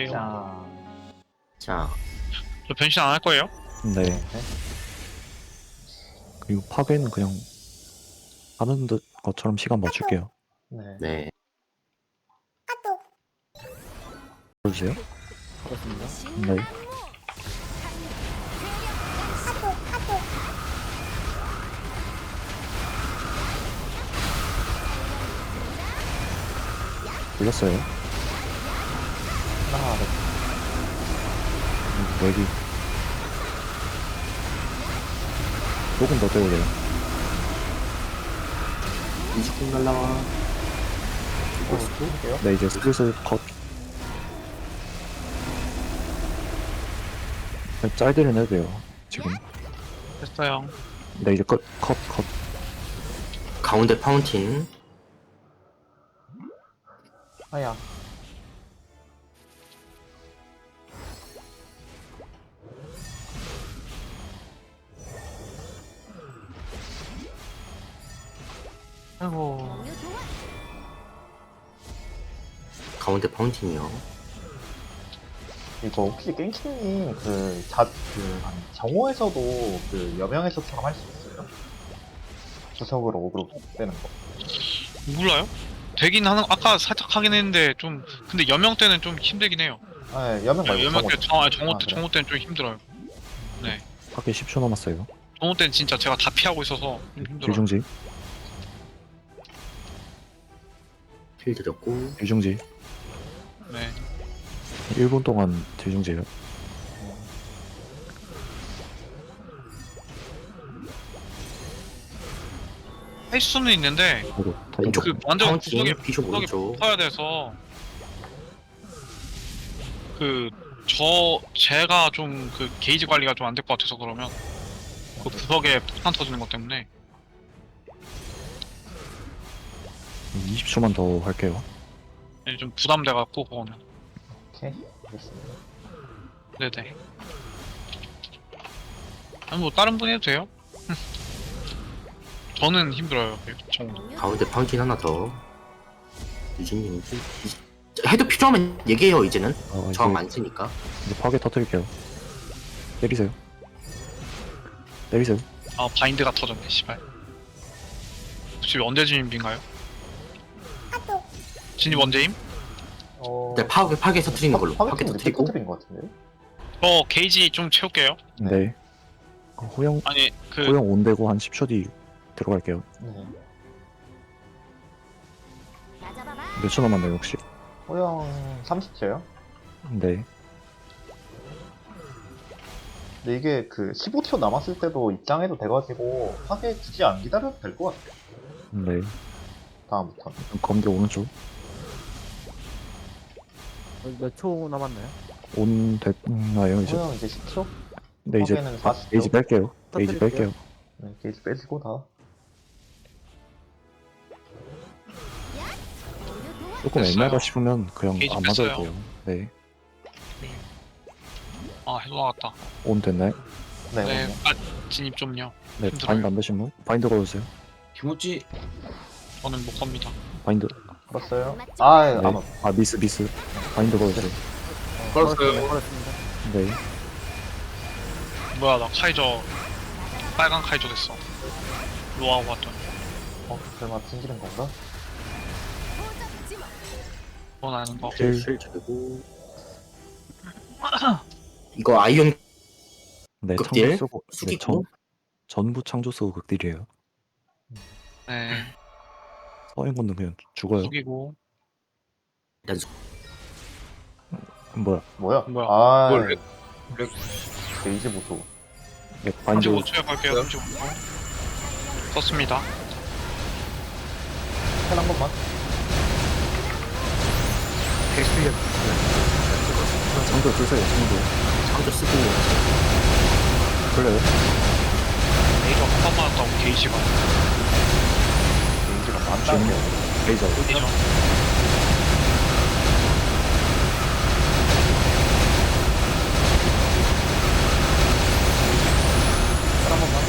갈게요. 자, 저 변신 안 할 거예요? 네. 그리고 파괴는 그냥 하는 듯 것처럼 시간 맞출게요. 네. 네. 보여주세요. 그렇습니다. 네. 불렸어요. 하나, 여기 조금 더 떼야 돼요. 이죽국 날라와. 할게요. 네, 이제 슬슬 컷. 짤들은 해도 돼요. 지금. 됐어요. 네, 이제 컷. 가운데 파운틴. 아야. 아이고. 가운데 파운틴이요. 이거 혹시 깽킹님 정오에서도 그 여명에서처럼 할 수 있어요? 구석으로 오그로 빼는 거. 몰라요? 되긴 하는 아까 살짝 하긴 했는데 좀 근데 여명 때는 좀 힘들긴 해요. 아, 여명 말고 여명 때 정호 그래. 때는 좀 힘들어요. 파괴 10초 남았어요. 정호 때는 진짜 제가 다 피하고 있어서 좀 힘들어요. 뒤중지. 힐 드렸고. 뒤중지. 네. 1분 동안 뒤중지예요. 할 수는 있는데 그리고 왼쪽 그 완전 파운틴. 구석에 비숍 오른쪽. 붙어야 돼서 제가 좀 그 게이지 관리가 좀 안 될 것 같아서 그러면 그 구석에 폭탄 터지는 것 때문에 20초만 더 할게요. 좀 부담돼 갖고 그거는. 오케이. 알겠습니다. 네네. 아니 뭐 다른 분 해도 돼요? 저는 힘들어요. 정도. 가운데 파운틴 하나 더. 유진님 해도 필요하면 얘기해요 이제는. 저항 안 쓰니까. 이제 파괴 터뜨릴게요. 때리세요. 때리세요. 아 바인드가 터졌네. 씨발. 혹시 언제 진입인가요? 진입 언제임? 네, 파괴 터트리는 걸로. 파괴 파괴팀 늦게 터트리고. 터뜨린 것 같은데? 게이지 좀 채울게요. 네. 호영 아니 호영 온되고 한 10초 뒤 들어갈게요. 네. 몇 초 남았나요 혹시? 호영 30초요? 네. 근데 이게 그 15초 남았을 때도 입장해도 돼가지고 파괴 굳이 안 기다려도 될 것 같아요. 네. 다음부터. 검게 오른쪽. 몇 초 남았나요? 온 됐나요 이제? 호영 이제 10초? 네 이제 파괴는 40초. 게이지 뺄게요. 게이지 터뜨릴게요. 뺄게요. 네, 게이지 빼시고 다. 조금 됐어요. 애매하다 싶으면 그냥 게이지 안 맞아도 뺐어요. 돼요. 네. 아 해도 나갔다. 온 됐나요? 네, 네. 오케이. 아 진입 좀요. 네. 힘들어요. 바인드 안 되신 분? 바인드 걸어주세요. 김우찌. 저는 못 겁니다. 바인드. 걸었어요. 아, 네. 안 왔. 아 미스. 바인드 걸어주세요. 걸었어요. 걸었습니다. 네. 뭐야 나 카이저 빨간 카이저 됐어. 로아하고 왔더니 설마 튕기는 건가? 그건 아닌 거. 힐 드리고. 이거 아이언 네. 극딜? 창조 쓰고. 네, 숙이고. 전부 창조 쓰고 극딜이에요. 네. 서인군은 그냥 죽어요. 숙이고 뭐야? 뭐야? 뭐야? 아, 뭘 게이지 보소. 네. 바인드. 35초에 갈게요. 35초. 썼습니다. 한 번만. 창조 쓰세요. 창조. 창조 쓰고. 걸려요? 레이저 한 번만 왔다고 게이지가 게이지가 많다는 레이저. 어디죠? 한 번만.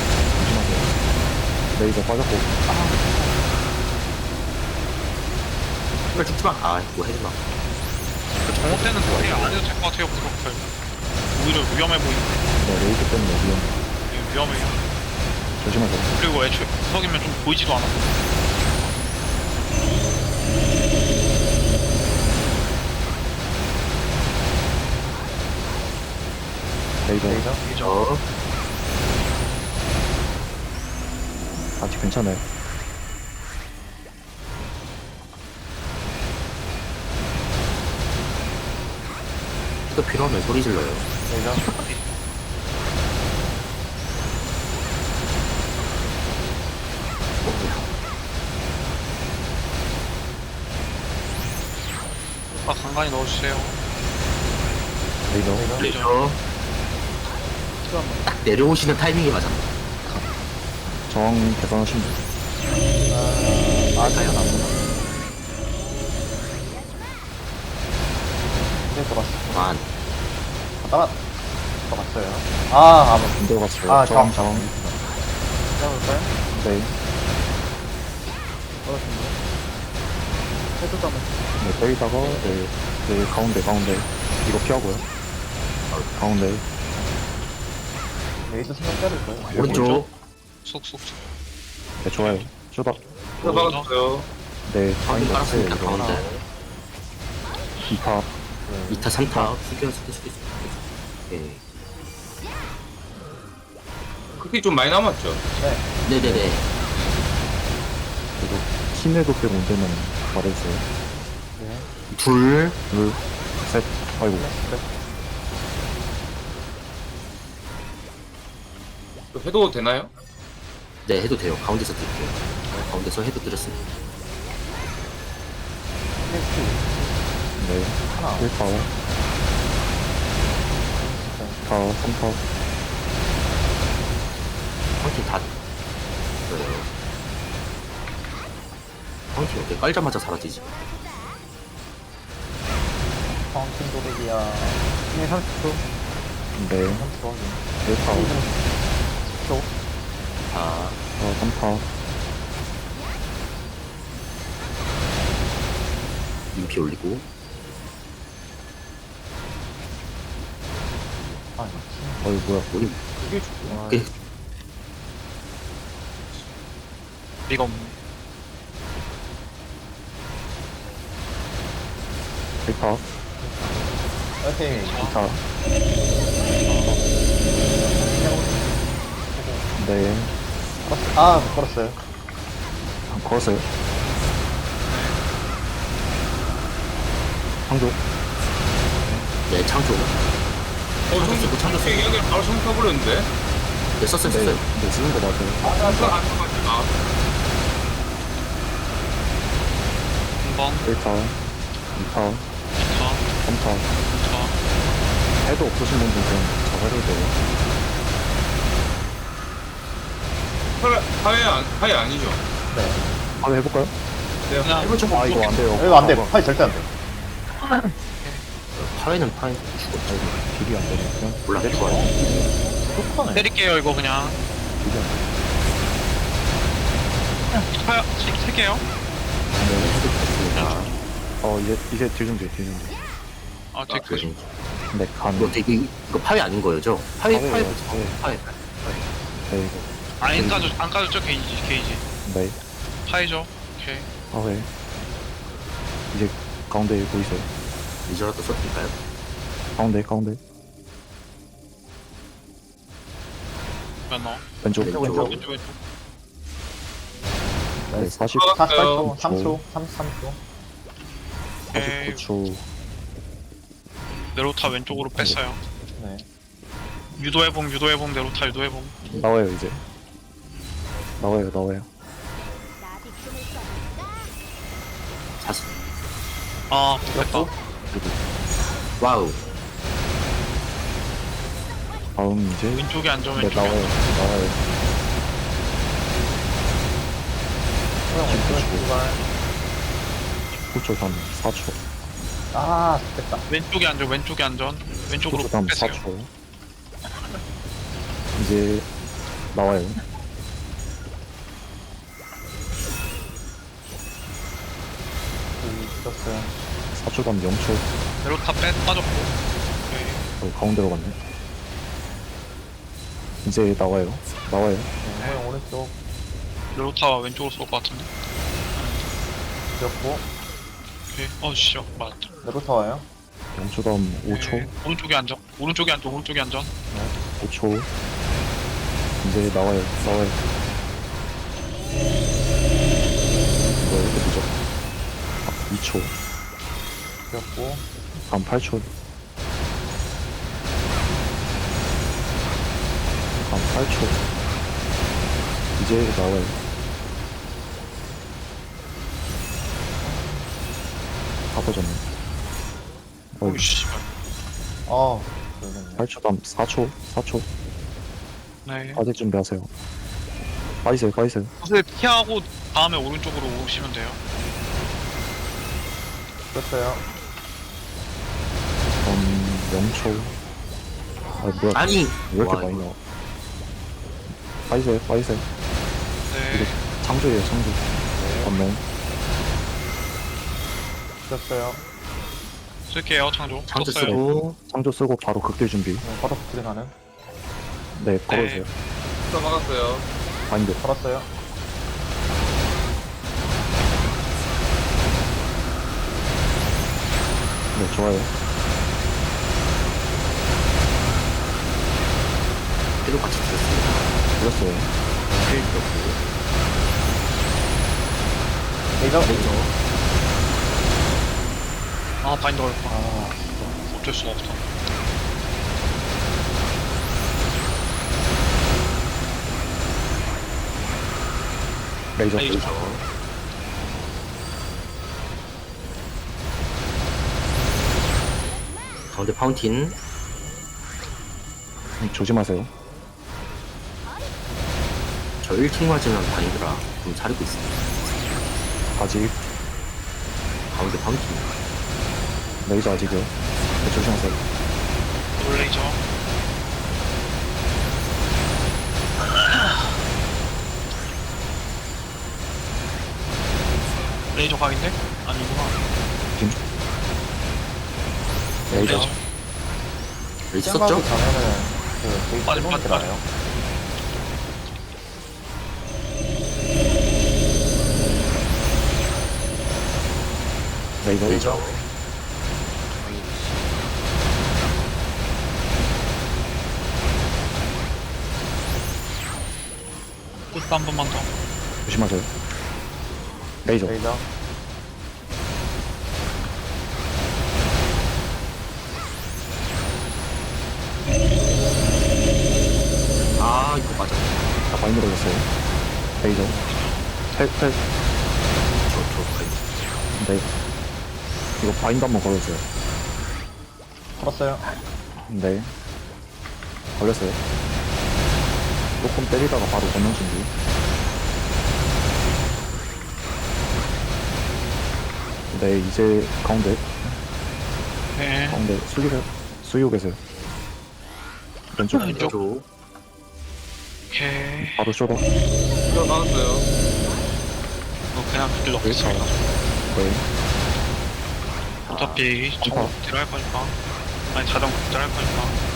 레이저 빠졌고. 이걸 죽지 마. 아, 뭐 해지 마. 정오 때는 거의 안 해도 될 것 같아요. 그렇게 오히려 위험해 보이는데. 네, 레이드 때문에 위험. 예, 위험해요. 조심하세요. 그리고 애초에 구석이면 좀 보이지도 않아. 레이더. 레이저. 저 아직 괜찮아요. 또 필요하면 소리 질러요. 레이저. 아, 간간히 넣어주세요. 레이더. 레이저 딱 내려오시는 타이밍이 맞아. 저항 계산하신 분. 아직은 안 보나. 이제 들어왔어. 만 따라 들어갔어요. 아, 아무. 안 들어갔어요. 아, 저항, 저항. 저항. 잡을까요? 네. 받았습니다. 해도 한번 네, 때리다가, 네. 네, 가운데. 이거 피하고요. 가운데. 레이저 생각 빼야 될 거예요. 오른쪽 쏙쏙. 네, 좋아요. 쇼다. 들어갔어요. 네, 가운데 다행히 깔았습니다. 없어요. 가운데 2타. 2타 3타 숙여 숙여. 예. 그게 좀 많이 남았죠. 네네네. 그리고 키네도 빼고 언제면 말해주세요. 네. 둘 둘, 셋. 아이고. 그래. 또 해도 되나요? 네, 해도 돼요. 가운데서 드릴게요. 가운데서 해도 드렸습니다. 네. 하나. 1타. 2타, 3타. 황팀 다 그래요. 황팀 어때? 깔자마자 사라지지. 파운틴 도백이야. 네, 30초. 네. 30초 확인. 1타. 10초. 자, 3타. 인피 올리고 아, 어이, 뭐야. 우리 그게 좋구나. 그 리가 없네. 1타. 오케이. 2타. 네. 아, 못 걸었어요. 걸었어요. 창조. 네, 창조. 청소 창조. 이야기를 바로 청소해버렸는데. 네, 썼어요, 네. 썼어요. 네, 쓰는 거 맞아요. 청소 안 써가지고. 아, 한번 1타. 2타. 2타 3타. 2타. 해도 없으신 분들 좀 잡아줘도 돼요. 하회 아니죠. 네. 한번 해볼까요? 네, 그냥 해볼 좀 아, 이거 안 돼요. 이거 안 돼. 파이 절대 안 돼. 파회는 파회 죽어. 아이고, 딜이 안 되네. 그냥 몰라. 내려가요. 똑하네. 때릴게요 이거 그냥. 딜이 안 돼. 파야 칠게요. 네, 해도 됐습니다. 이제 딜 좀 돼, 딜 좀 돼. 아 그 체크. 좀 네, 간. 이거 파회 아닌 거죠? 파회 파회예요, 파회. 네, 이거. 안 까졌죠 게이지. 네. 파이죠. 오케이. 네. 이제 가운데 보이세요? 이저라도 써드릴까요? 가운데. 몇 넣어? 왼쪽. 왼쪽. 왼쪽. 네, 40, 48초. 3초. 33초. 오케이. 49초. 네로타 왼쪽으로 뺐어요. 네. 유도해봄 네로타 유도해봄. 나와요, 이제. 나와요. 사슬. 아 됐다. 그리고 와우. 다음 이제. 왼쪽에 앉아 네, 왼쪽에. 나와요. 소영 왼쪽에 출발. 9초 3, 4초. 아, 됐다. 왼쪽에 앉아. 왼쪽으로 9초 3, 뺐어요. 4초. 이제 나와요. 여기 있었어요. 4초 다음 0초. 네로타 빠졌고. 오케이. 가운데로 갔네. 이제 나와요. 나와요. 호영 오른쪽 네로타 왼쪽으로 쏠 것 같은데. 지었고 오케이. 씨, 맞았다. 네로타 와요. 0초 다음 5초. 네, 오른쪽에 안전. 오른쪽에 안전. 오른쪽에 안전. 5초. 이제 나와요. 나와요. 왜 이렇게 늦어? 2초. 지었고 다음 8초. 다음 8초. 이제 나와요. 다 빠졌네. 오이 씨발. 아 모르겠네. 8초 다음 4초. 4초. 네. 빠질 준비하세요. 빠지세요. 빠지세요. 사실 피하고 다음에 오른쪽으로 오시면 돼요. 지었어요. 0초. 아, 뭐야. 아니 왜 이렇게 와, 많이 이거. 나와? 빠지세요. 빠지세요. 네. 창조예요. 창조. 건너. 지었어요. 쓸게요, 창조. 창조 썼어요. 쓰고 창조 쓰고 바로 극딜 준비. 바로 스크린 하는. 네, 걸어주세요. 또 막았어요. 바인드. 걸었어요. 네, 좋아요. 해도 같이 드렸습니다. 들었어요. 힐 들었고 레이저 레이저 바인더 걸렸다. 아 어쩔 수가 없어. 레이저. 레이저. 레이저 가운데 파운틴 조심하세요. 저 1킹 맞으면 바인드라 좀 자르고 있습니다. 아직. 가운데 파운틴 레이저 아직이요. 네, 조심하세요. 놀레이저. 레이저 각인데? 아니구나. 레이저. 레이저. 레이저 시간 가기 썼죠? 전에는 그 게이트 빠져, 해놓은 게 빠져. 나아요. 레이저. 레이저 끝 한 번만 더. 조심하세요. 레이저. 레이저 아 이거 맞아. 다 바인드 걸렸어요. 레이저. 텔. 저 바인드 네. 이거 바인드 한번 걸어주세요. 걸었어요. 네. 걸렸어요. 조금 때리다가 바로 건너 준비. 네, 이제 가운데. 네. 가운데. 숙이세요. 숙이고 계세요. 왼쪽. 왼쪽. 왼쪽 오케이. 바로 쇼더. 또 막았어요. 이거 그냥 그길 넣겠습니다. 네. 어차피 저거 딜할 거니까. 아니, 자전거 딜할 거니까.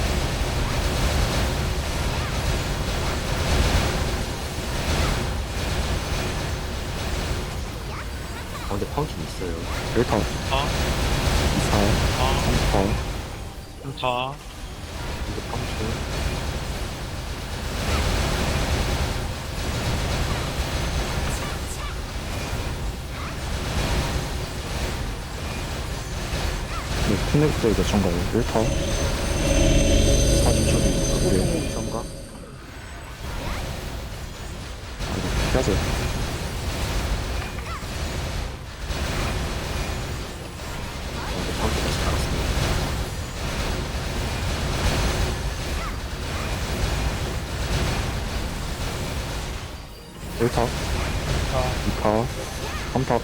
가운데 파운틴 있어요. 1타, 아, 2타, 아, 3타. 다. 가운데 파운틴 네, 킹넥스 몇 초인가요? 1타. 40초 뒤. 네. 정가 이거 피하세요. 가운데 파운틴 다시 달았습니다. 타 2타, 3타.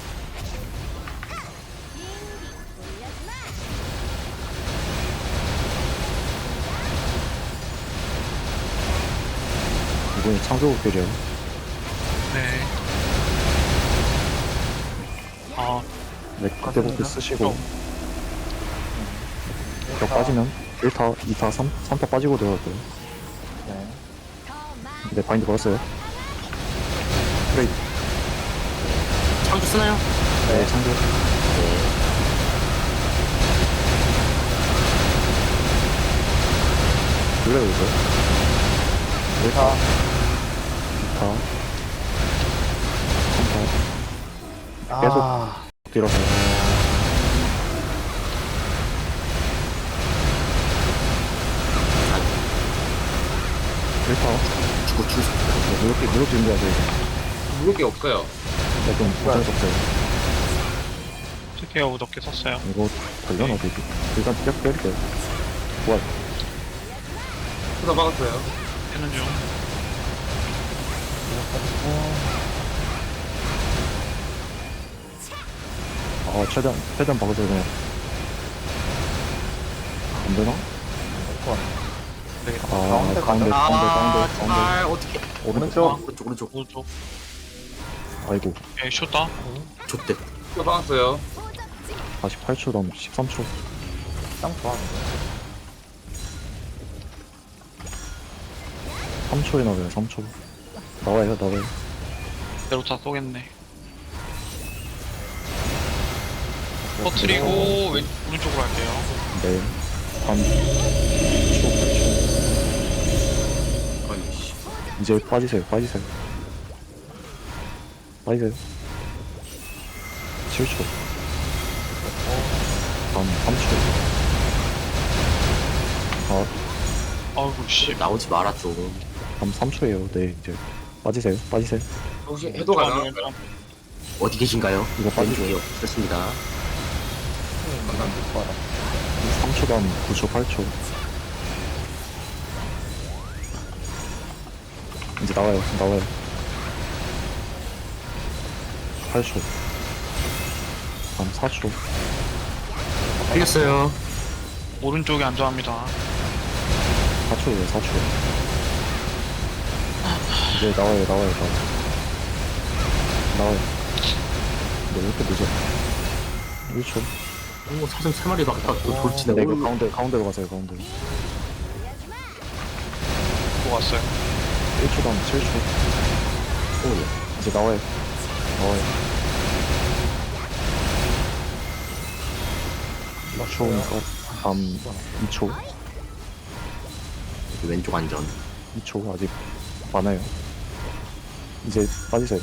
이번에 창조국들이요. 네. 아, 네, 그때부터 쓰시고. 벽 빠지면 1타, 2타, 3타 빠지고 들어갈 거예요. 네. 네, 바인드 걸었어요. 프레이. 창조 쓰나요? 네, 창조. 불러요, 이거. 1타, 2타, 3타. 계속. 아, 들어서요. 죽을 수 있어요. 무력 준비해야 돼. 무겁게 없어요. 네, 좀 어쩔 수 없어요. 스케어 어둡게 썼어요. 이거 걸려나 되지? 일단 쭉 때릴게요. 좋아. 수사 막았어요. 되는 중. 최대한 박으세요, 그냥. 안 되나? 되겠다. 가운데. 제발 어떻게? 오른쪽. 오른쪽. 오른쪽. 아이고, 예, 쇼다. 좋대. 수사 막았어요. 48초 다음 13초. 짱 좋아하는데. 3초에 나와요, 3초. 나와요. 내로타 쏘겠네. 터트리고 오른쪽으로 할게요. 네. 3초, 8초. 아니 씨. 이제 빠지세요. 7초. 다음 3초. 아이고 씨. 나오지 마라 좀. 다음 3초에요. 네, 이제 빠지세요. 혹시 해도 가능한가요? 어디 계신가요? 이거 빠지세요. 됐습니다. 감사합니다. 3초 다음 9초, 8초. 이제 나와요. 8초. 다음 4초. 틀렸어요. 오른쪽이 안전합니다. 4초예요, 4초. 이제 나와요. 네, 왜 이렇게 늦어? 1초. 오 사슴 3마리 막다 또 돌치네. 네, 이거 가운데로 가세요, 가운데. 또 왔어요. 1초 다음 7초. 오 예. 이제 나와요. 4초니까 다음 2초. 여기 왼쪽 안전. 2초 아직 많아요. 이제 빠지세요.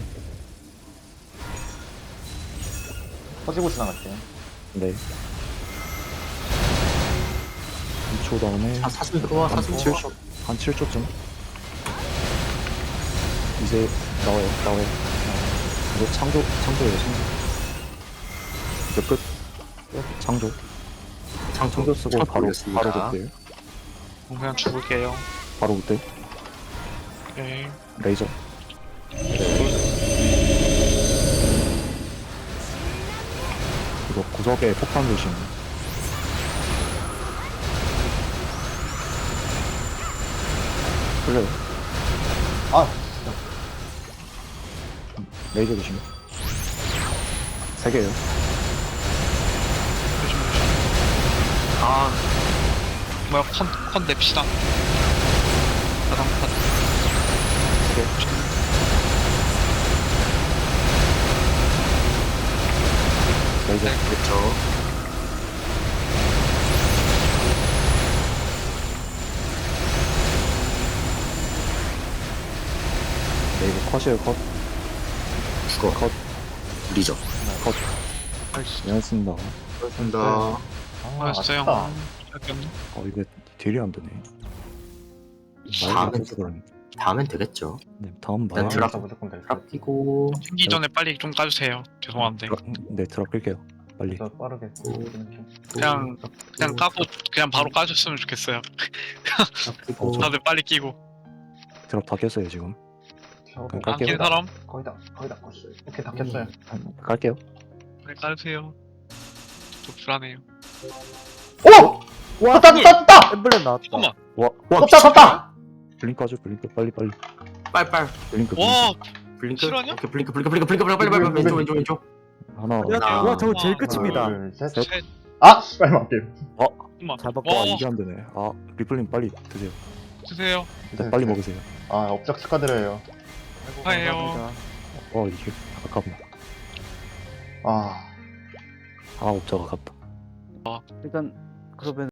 터지고 지나갈게요. 네. 2초 다음에 사슴 들어와. 한 사슴 들어와. 7초, 한 7초쯤. 이제 나와요. 이거 창조예요. 이제 끝. 창조 쓰고 바로 그때. 그냥 죽을게요. 바로 그때. 오케이. 레이저. 이거 구석에 폭탄 조심. 풀려요. 아, 레이저 조심. 3개요. 조심. 뭐야, 컨 냅시다. 가장 컨. 레이저. 그렇죠. 네, 이거 컷이에요, 컷. 죽어. 컷. 리죠. 컷. 나이스. 미안했습니다. 그렇습니다. 알았어요. 아쉽다. 시작했네. 이거 딜이 안 되네. 다음엔 말이 안 돼서 그러네. 다음엔 되겠죠. 네, 다음 일단 말. 드랍. 무조건 될 듯. 드랍 끼고. 튕기 전에 빨리 좀 까주세요. 죄송한데. 네, 드랍 끌게요. 빨리. 저 빠르게. 그냥 까고 그냥 바로 까줬으면 좋겠어요. 드랍 끼고. 다들 빨리 끼고. 드랍 다 깼어요, 지금. 저 그럼 안 낀 깔게요. 사람 거의 다 껐어요. 오케이, 다 켰어요. 깔게요. 빨리 까주세요. 또 불안해요. 오! 와, 떴다! 엠블렘 나왔다. 잠깐만. 와, 떴다! 블링크 하죠, 블링크. 빨리. 빨빨. 블링크. 와, 블링크. 실화냐? 오케이 블링크. 빨리 왼쪽. 하나, 하나. 와 저거 제일 끝입니다. 둘, 셋. 셋. 셋. 아! 씨발 맞게임. 잠깐만. 잡았고. 와 와, 이게 안 되네. 아 리플님 빨리 드세요. 드세요. 일단 빨리 먹으세요. 아 업적 축하드려요. 아이고, 축하해요. 감사합니다. 이게 아깝네. 아 아 옵자가 아깝다. 일단 그러면